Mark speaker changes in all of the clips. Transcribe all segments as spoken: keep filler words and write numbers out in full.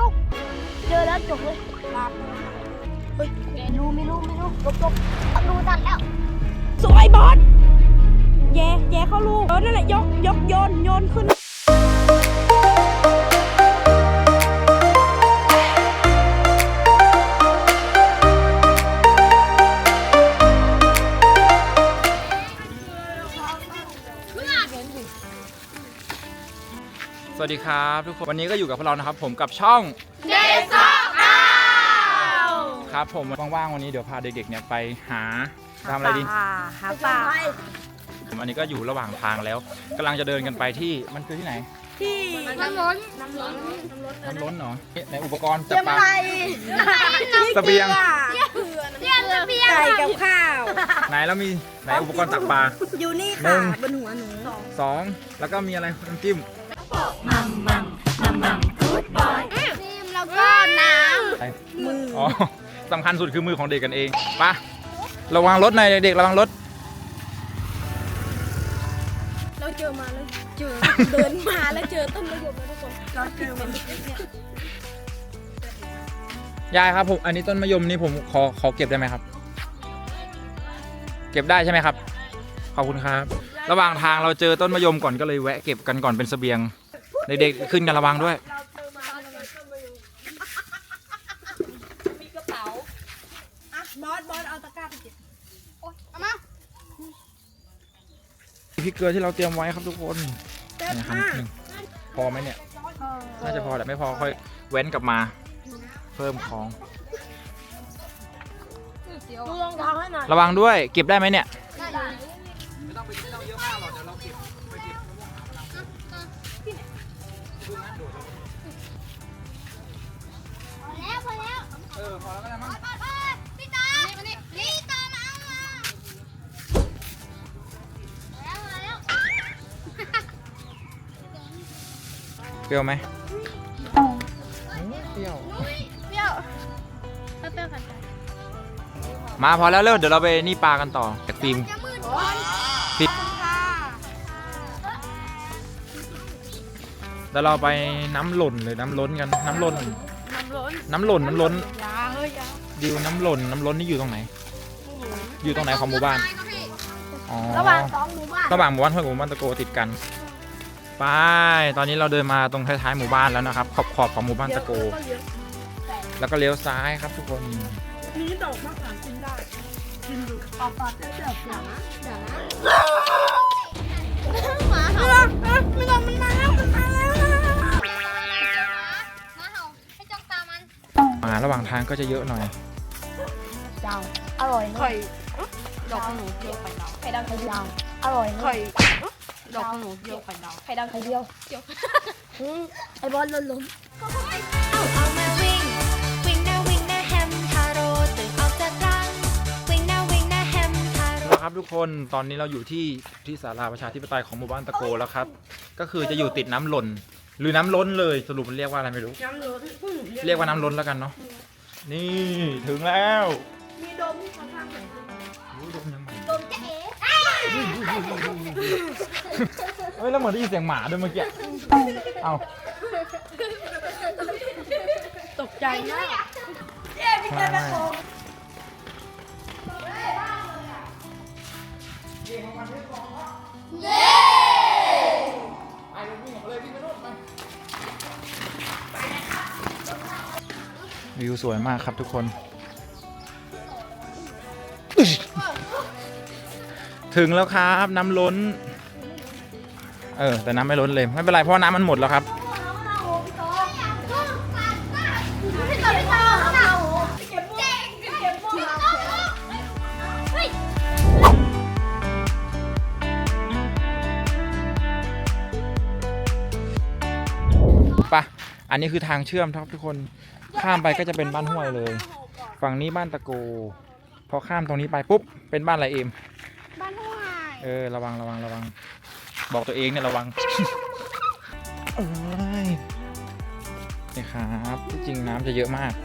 Speaker 1: เจอแล้วจบเลยลาบเฮ้ยไม่รู้ไม่รู้ไม่รู้จบจบดูตันแล้วสวยบอสแย่แย่เข้าลูกเออนั่นแหละยกยกโยนโยนขึ้น
Speaker 2: สวัสดีครับทุกคนวันนี้ก็อยู่กับพวกเรานะครับผมกับช่อง
Speaker 1: เด็กซ่องเอา
Speaker 2: ครับผมว่างๆวันนี้เดี๋ยวพาเด็กๆเนี่ยไปหาทำอะไรดี
Speaker 1: หาปลา
Speaker 2: อันนี้ก็อยู่ระหว่างทางแล้วกำลังจะเดินกันไปที่มันคือที่ไหน
Speaker 1: ที่น้ำล้นน้ำล้น
Speaker 2: น้ำล้นเหรอในอุปกรณ์จับปลาเสบียง
Speaker 1: เรียนเสบียงไก่กับข้าว
Speaker 2: ไหนแล้วมีไหนอุปกรณ์ตักปลา
Speaker 1: อยู่นี่ค่ะบนหัวหนู
Speaker 2: สองแล้วก็มีอะไรน้ำจิ้ม
Speaker 1: มัมมัมมัมมัมกู๊ดบอยจิ้มแล้วก็น้ำมือ
Speaker 2: อ๋อสำคัญสุดคือมือของเด็กกันเองปะระวังรถหน่อยเด็กระวังรถ
Speaker 1: เราเจอมาแล้วเจอเดินมาแล้วเจอต้นมะยมแล้วทุกคนเราเจอมัน
Speaker 2: ยายครับผมอันนี้ต้นมะยมนี่ผมขอขอเก็บได้ไหมครับเก็บได้ใช่ไหมครับขอบคุณครับระหว่างทางเราเจอต้นมะยมก่อนก็เลยแวะเก็บกันก่อนเป็นเสบียงเด็กๆขึ้นกันระวังด้วย
Speaker 1: มีกระเป๋าอ่ะบอสบอสเอาตะกร้าไปเก็บโอ๊ยเอามา
Speaker 2: พริกเกลือที่เราเตรียมไว้ครับทุกคนนี่ครับหนึ่งพอไหมเนี่ยน่าจะพอแต่ไม่พอค่อยเว้นกลับมาเพิ่มของระวังด้วยเก็บได้ไหมเนี่ยไม่ต้องไปไม่ต้องเยอะมากหรอกเดี๋ยวเราเก็บไปเก็บ
Speaker 1: แล้วพอแล้ว
Speaker 2: เออพอแล้วก็ได้มั้ง
Speaker 1: พี่ตามานี่พี่ตามาแล้วมาแล้ว
Speaker 2: เปรี้ยวไหมเปรี้ยว
Speaker 1: เปรี้ยวเปรี้ยวกัน
Speaker 2: มาพอแล้วเร็วเดี๋ยวเราไปนี่ปลากันต่อจากฟิล์มฟิล์มแล้วเราไปน้ำหล่นเลยน้ำล้นกันน้ำล้นน้ำหล่นน้ำล้นดิวน้ำหล่นน้ำล้นนี่อยู่ตรงไหนอยู่ตรงไหนของหมู่บ้าน
Speaker 1: ระหว่างสองหมู่บ้าน
Speaker 2: ระหว่างหมู่บ้านห้วยกับหมู่บ้านตะโกติดกันไปตอนนี้เราเดินมาตรงท้ายๆหมู่บ้านแล้วนะครับขอบขอบของหมู่บ้านตะโกแล้วก็เลี้ยวซ้ายครับทุกคน
Speaker 1: นี่ดอกมะขามกินได้กินดูออกปากได้แบบอย่างนะอย่างนะหมาเห่าไม่ต้องมันมาแล้วมันมาแล้วหมาเห่าให้จ้องตามัน
Speaker 2: มาระหว่างทางก็จะเยอะหน่อย
Speaker 1: เจ้าอร่อยไข่ดอกหนูเดียวไข่ดาวไข่ดาวไข่ดาวอร่อยไข่ดอกหนูเดียวไข่ดาวไข่ดาวไข่เดียวเดียวไอ้บอลล้มล้ม
Speaker 3: เอาเอามาวิ่งวิ่งหน้าวิ่งหน้าแฮมทาโร่ตื่นออกจากรังวิ่งหน้าวิ่งหน้าแฮมทาโร่
Speaker 2: ครับทุกคนตอนนี้เราอยู่ที่ที่ศาลาประชาธิปไตยของหมู่บ้านตะโกแล้วครับก็คือจะอยู่ติดน้ำหล่นหรือน้ำล้นเลยสรุปมันเรียกว่าอะไรไม่รู้
Speaker 1: น้ำล้น
Speaker 2: เรียกว่าน้ำล้นแล้วกันเนาะนี่ถึงแล้ว
Speaker 1: มีดมที่เขาทำเหมือน
Speaker 2: ดมยังไง
Speaker 1: ดมจะเอ๋
Speaker 2: เฮ้ยแล้วเหมือนได้ยินเสียงหมาด้วยเมื่อกี้เอา
Speaker 1: ตกใจนะเย้พี่เจตะโกเย้
Speaker 2: ไอ้วิ่งออกเลยวิ่งไปโน่นไปวิวสวยมากครับทุกคนถึงแล้วครับน้ำล้นเออแต่น้ำไม่ล้นเลยไม่เป็นไรเพราะน้ำมันหมดแล้วครับปะอันนี้คือทางเชื่อมครับทุกคนข้ามไปก็จะเป็นบ้านห้วยเลยฝั่งนี้บ้านตะโกพอข้ามตรงนี้ไปปุ๊บเป็นบ้านอะไรเอม
Speaker 1: บ้านห้วย
Speaker 2: เออระวังระวังระวังบอกตัวเองเนี่ยระวังเอ้ยนี่ครับที่จริงน้ำจะเยอะมาก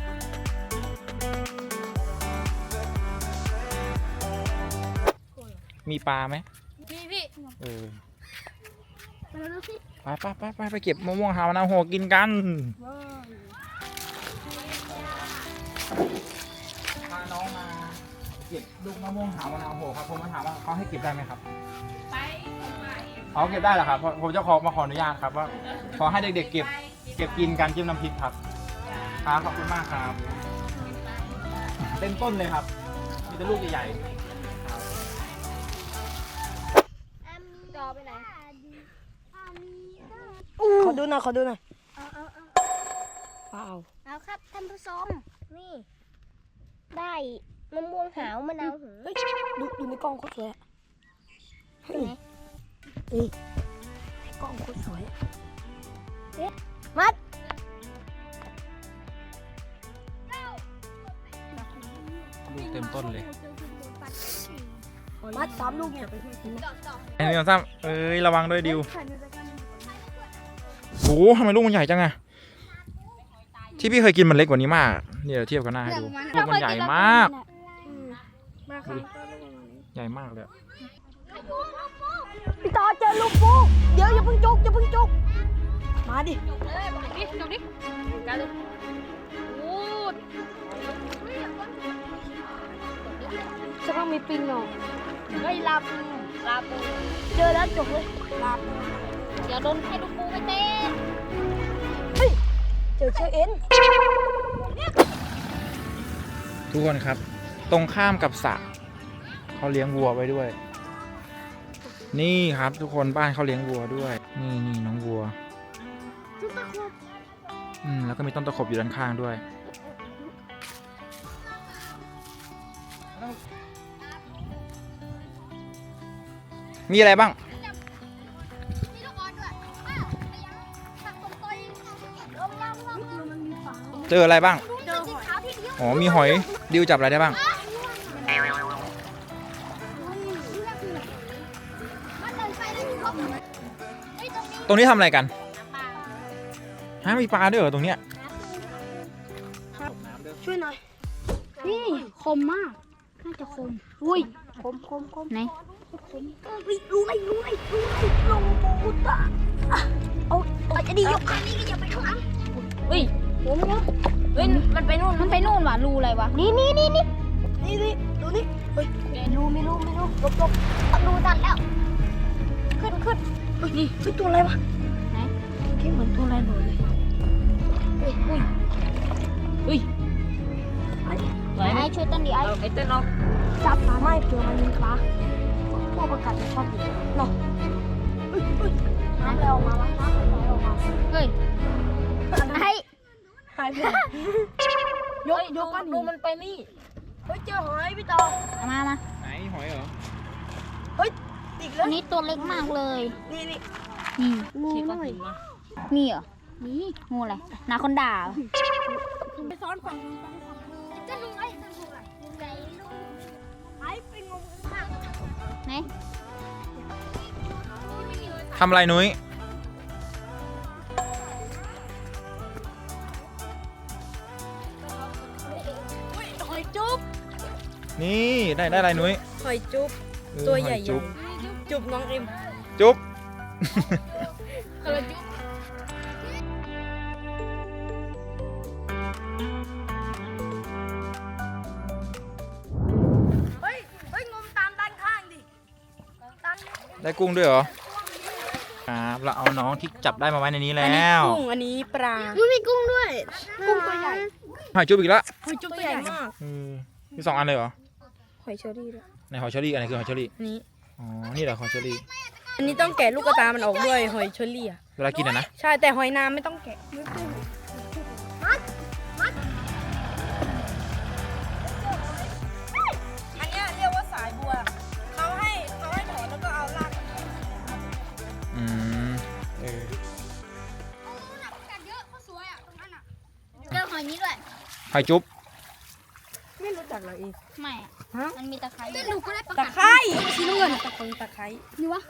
Speaker 2: มีปลาไหม
Speaker 1: มีพี่
Speaker 2: เออไปไปไปไปไปเก็บมะม่วงหาวมะนาวโหกินกันพาน้องมาเก็บลูกมะม่วงหาวมะนาวโหครับผมมาถามว่าเขาให้เก็บได้ไหมครับไปเขาเก็บได้เหรอครับเพราะผมจะขอมาขออนุญาตครับว่าขอให้เด็กๆเก็บเก็บกินกันจิ้มน้ำพริกครับครับขอบคุณมากครับเต็มต้นเลยครับมีแต่ลูกใหญ่ๆครับ
Speaker 1: จอไปไหนขอดูหน่อยขอดูหน่อยเปล่า
Speaker 4: เอาครับท่านผู้ชมนี่ ได้มะม่วงหาวมะนาวหู
Speaker 1: เฮ้ยดูดูในกล้องโคตรสวยอะเฮ้ยนี่ในกล้องโคตรสวยอะ
Speaker 4: มัด
Speaker 2: ลูกเต็มต้นเลย
Speaker 1: มัดสามลูกเนี่ย
Speaker 2: ไอ้นี่ซ้ำเอ้ยระวังด้วยดิวโหทำไมลูกมันใหญ่จังอะที่พี่เคยกินมันเล็กกว่านี้มากนี่เดี๋ยวเทียบกันหน้าให้ดูลูกมันใหญ่มากดูดิใหญ่มากเลยอะ
Speaker 1: พี่ต่อเจอลูกปูเดี๋ยวอย่าเพิ่งจุกอย่าเพิ่งจุกมาดิ
Speaker 5: ดิจบดิกันเลยโอ้
Speaker 1: จะต้องมีปิงเนาะ
Speaker 5: เฮ้ยลาปูลาปู
Speaker 1: เจอแล้วจบเลยลา
Speaker 5: เดี๋ยวโดนให้ลูกปูไปเต้น
Speaker 1: เฮ้ยเจอเชอเอ็น
Speaker 2: ทุกคนครับ ตรงข้ามกับสระเขาเลี้ยงวัวไว้ด้วย นี่ครับทุกคนบ้านเขาเลี้ยงวัวด้วย นี่นี่น้องวัวอืมแล้วก็มีต้นตะขบอยู่ด้านข้างด้วย มีอะไรบ้าง
Speaker 4: มีลูกออดด้วยอ้าวไปยังผักตรงตัวเองลงล่างล่างล่าง
Speaker 2: เจออะไรบ้าง
Speaker 4: เจอสีขาวที่เดียว
Speaker 2: อ๋อมีหอยดิวจับอะไรได้บ้าง
Speaker 4: มันเดินไปแล้วเขาเฮ้ยตรงนี้
Speaker 2: ตรงนี้ทำอะไรกันฮะมีปลาด้วยเหรอตรงเนี้ย
Speaker 1: ช่วยหน่อย
Speaker 5: นี่คมมาก น่าจะคม อุ้ย
Speaker 1: คมคมคม
Speaker 5: ไหน
Speaker 1: เฮ้ยรู้ไหมรู้ไหมรู้ไหมลงปูตะอ่ะเอาเอาจะดียกขานี้ก็อย่าไปข้างหลัง
Speaker 5: อุ้ยผมเนาะเฮ้ยมันไปนู่น มันไปนู่นว่ะรูอะไรวะ
Speaker 1: นี่นี่นี่นี่นี่นี่ดูนี่เฮ้ยไม่รู้ไม่รู้ไม่รู้หลบหลบ
Speaker 4: ดูดันแล้ว
Speaker 1: ขึ้นขึ้นเฮ้ยนี่เฮ้ยตัวอะไรวะ
Speaker 5: ไหน
Speaker 1: ที่เหมือนตัวอะไรหน่อยเลย
Speaker 5: อุ้ยอุ้ยอุ้ย
Speaker 1: ไอ้
Speaker 5: ไหว
Speaker 4: ไอ้
Speaker 5: ไหม
Speaker 4: ช่วยต้นดีไอ้
Speaker 5: เอาไอ้เต้นเอา
Speaker 1: จับปลาไม่เผื่อมันมีปลาพวกประกาศจะชอบอยู่เนาะเฮ้ยเฮ้ยน้ำอะไรออกมาวะน้ำอะไรออกมา
Speaker 5: เฮ้ย
Speaker 4: ไอ้
Speaker 1: หายไปไหนยกยกก้อน
Speaker 5: ดู
Speaker 1: หิน
Speaker 5: มันไปนี่
Speaker 1: เฮ้ยเจอหอยพี่ต่อ
Speaker 5: เอามามา
Speaker 2: ไหนหอยเหรอ
Speaker 1: เฮ้ยติดแล้
Speaker 5: อั
Speaker 1: วน
Speaker 5: นี้ตัวเล็กมากเลย
Speaker 1: นี่นี่
Speaker 5: นี่
Speaker 1: งู
Speaker 5: เช็ค
Speaker 1: ห
Speaker 5: ก้อน
Speaker 1: น่อย
Speaker 5: หินมามีเหรอ มีงูอะไรนาคอนด่าเหรอ
Speaker 1: ไปซ้อนฝั่ง
Speaker 4: จะดูไอ้จะดูไอ้ใจลูก
Speaker 1: ไอ้ไปงมข้าง
Speaker 5: ไหน
Speaker 2: ทำอะไรนุ้ย
Speaker 1: หอยจุ๊บ
Speaker 2: นี่ได้ได้อะไรนุ้ย
Speaker 1: หอยจุ๊บ
Speaker 2: เออ
Speaker 1: ตัวใหญ่
Speaker 2: อยจุ๊บ
Speaker 1: ๆจุ๊บน้องเอ็ม
Speaker 2: จุ๊บ
Speaker 1: เฮ้ยเฮ้ยงมตามด้านข้างดิด้าน
Speaker 2: ได้กุ้งด้วยเหรอครับเราเอาน้องที่จับได้มาไว้ในนี้แล้ว
Speaker 1: กุ้งอันนี้ปลา
Speaker 4: มันมีกุ้งด้วย
Speaker 1: กุ้งตัวใหญ่
Speaker 2: หอยจุ๊บอีกแล้ว
Speaker 1: หอยจุ๊บตัวใหญ่มาก
Speaker 2: เออมีสองอันเลยเหรอ
Speaker 1: หอยเชอรี่ด้วย
Speaker 2: ในหอยเชอรี่อันไหนคือหอยเชอรี่
Speaker 1: อันนี้
Speaker 2: อ๋อนี่แหละหอยเชอรี่
Speaker 1: อันนี้ต้องแกะลูกกระตามันออกด้วยหอยเชอรี่อ่ะ
Speaker 2: เวลากินอะนะ
Speaker 1: ใช่แต่หอยนางไม่ต้องแกะอันเนี้ยเรียกว่าสายบัวเขาให้เขาให้ถอนแล้วก็เอาราก
Speaker 2: อืมเออ
Speaker 4: เยอะเขาสวยอ่ะตรงนั้นอ่ะเจอหอยนี้ด้วย
Speaker 2: หอยจุ๊บ
Speaker 1: ไม่รู้จักเหรออีก
Speaker 5: ไม่อะ
Speaker 1: ฮะ
Speaker 5: มันมีตะไคร้
Speaker 4: หนูก็ได้ประ
Speaker 1: ตะ
Speaker 4: กาศ
Speaker 1: ไคร้สีน้ำเงินตะไคร้ตะไคร้
Speaker 4: นี่วะ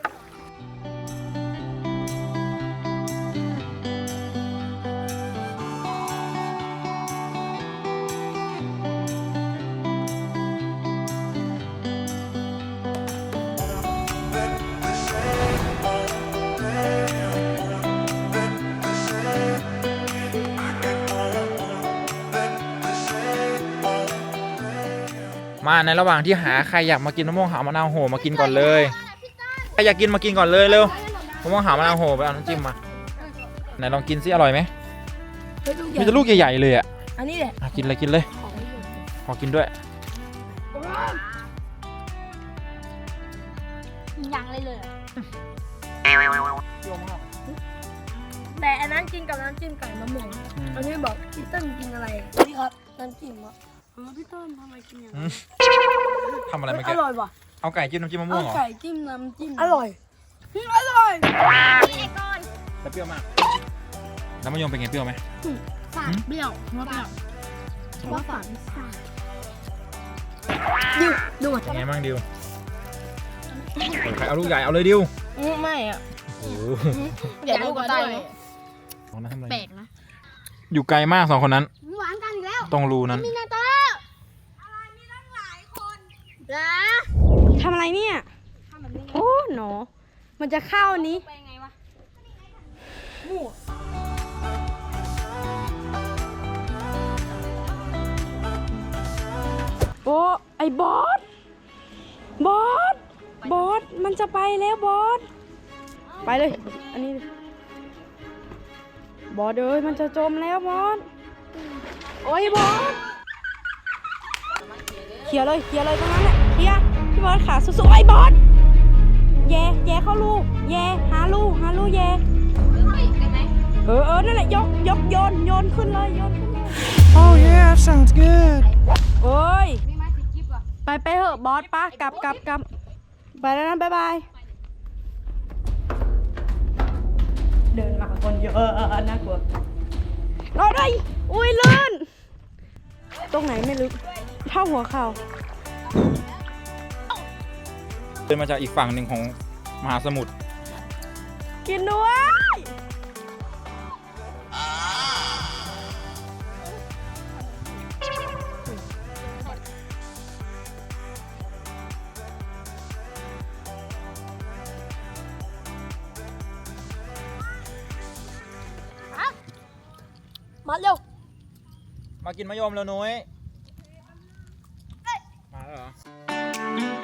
Speaker 2: มาในระหว่างที่หาใครอยากมากินมะม่วงหาวมะนาวโหมากินก่อนเลยใครอยากกินมากินก่อนเลยเร็วมะม่วงหาวมะนาวโหไปเอาน้ำจิ้มมาไหนลองกินซิอร่อยไหมมีแต่ลูกใหญ่ๆเลยอ่ะ
Speaker 1: อันนี้แหละ
Speaker 2: อ่ะกินเลยกินเลยขอกินด้วย
Speaker 5: ยังเลยเลย
Speaker 1: แต่อันนั้นกินกับน้ำจิ้มไก่มะม่วง
Speaker 2: อืม
Speaker 1: อันนี้บอกพี่เติ้ลกินอะไรนี่ครับน้ำจิ้มอ่ะอ๋อพี่เติ้ลทำไมกินอย่าง
Speaker 2: อื
Speaker 1: นั้
Speaker 2: ม
Speaker 1: น
Speaker 2: ทำอะไรเมื่อ
Speaker 1: อ
Speaker 2: กี้
Speaker 1: ร่อยว่ะ
Speaker 2: เอาไก่จิ้มน้ำจิ้มมะม่วงเหรอ
Speaker 1: ไก่จิ้มน้ำจิ้มอร่อยอร่อย
Speaker 2: แต่เปรี้ยวมากแล้วมะยมเป็นไงเปรี้ยวไหม
Speaker 5: ฝาดเปรี้ยวว่าเปรี้ยวว่าฝาด
Speaker 1: ดิวดูอ่ะ
Speaker 2: เป็นไงบ้างดิวใครเอาลูกใหญ่เอาเลยดิว
Speaker 1: ไม่อ่ะ
Speaker 2: โอ้โห
Speaker 5: เดี๋ยวลูกก็ได้
Speaker 2: สองนั้นทำอะไร
Speaker 5: แปลกนะ
Speaker 2: อยู่ไกลมากสองคนนั้น
Speaker 4: หวานกันอีกแล้ว
Speaker 2: ตรงรูนั้น
Speaker 4: มีนาโตอะไรมีตั้งหลายคนนะ
Speaker 1: ทำอะไรเนี่ยโอ้หนอมันจะเข้านี้
Speaker 5: ไปไงวะ
Speaker 1: โอ้ไอ้บอสบอสบอสมันจะไปแล้วบอสไปเลยอันนี้บอสเอ้ยมันจะจมแล้วบอสโอ้ยบอสเคลียร์เลยเคลียร์เลยตรงนั้นแหละเคลียร์พี่บอสขาสู้ๆไอ้บอสแย่แย่เข้าลูกแย่หาลูกหาลูกแย่เออเออนั่นแหละยกยกโยนโยนขึ้นเลยโยนขึ้นเลย
Speaker 2: Oh yeah sounds good
Speaker 1: โอ้ยไปไปเถอะบอสป้ากลับกลับกลับไปแล้วนะบ๊ายบายเดินมาคนเยอะน่ากลัวรอด้วยอุ้ยลื่นตรงไหนไม่ลึกเท่าหัวเข่า
Speaker 2: เดินมาจากอีกฝั่งหนึ่งของมหาสมุทร
Speaker 1: กินด้วยมาเร็ว
Speaker 2: มากินมะยมแล้วนุ้ยมาแล้วเหรอ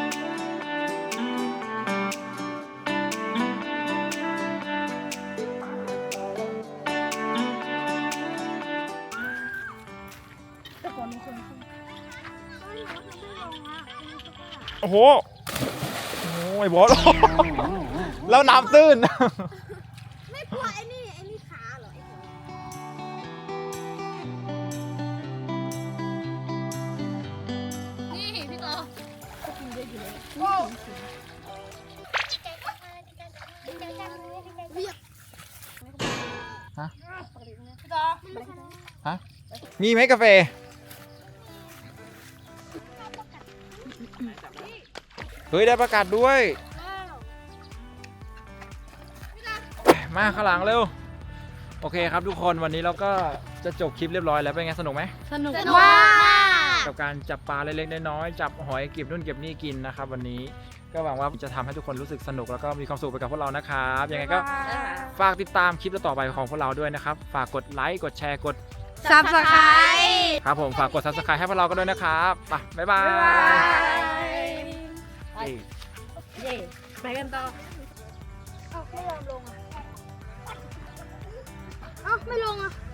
Speaker 2: โอ้โหโอ้ยบอส แล้วน้ำตื้น
Speaker 4: ไม่กลัวไอ้นี่ไอ้นี่ขาเหรอไอ้คน
Speaker 5: นี่พี่ต่อ
Speaker 2: ฮะ ฮะ มีไหมกาแฟ เฮ้ย ได้ประกาศด้วย มาข้างหลังเร็ว โอเคครับทุกคนวันนี้เราก็จะจบคลิปเรียบร้อยแล้วเป็นไงสนุกไหม
Speaker 1: สนุก
Speaker 5: สนุกมาก
Speaker 2: กับการจับปลาเล็กๆน้อยๆจับหอยเก็บนู่นเก็บนี่กินนะครับวันนี้ก็หวังว่าจะทำให้ทุกคนรู้สึกสนุกแล้วก็มีความสุขไปกับพวกเรานะครับยังไงก็ฝากติดตามคลิปต่อไปของพวกเราด้วยนะครับฝากกดไลค์กดแชร์กด
Speaker 1: ซับสไครต์
Speaker 2: ครับผมฝากกด ซับสไครบ์ ให้พวกเรากันด้วยนะครับไปบ๊ายบาย
Speaker 1: บ๊ายบาย
Speaker 2: เย้
Speaker 1: เย่ไปกันต่อ
Speaker 4: เอ้าไม่ยอมลงอ่ะ เอ้าไม่ลงอ่ะ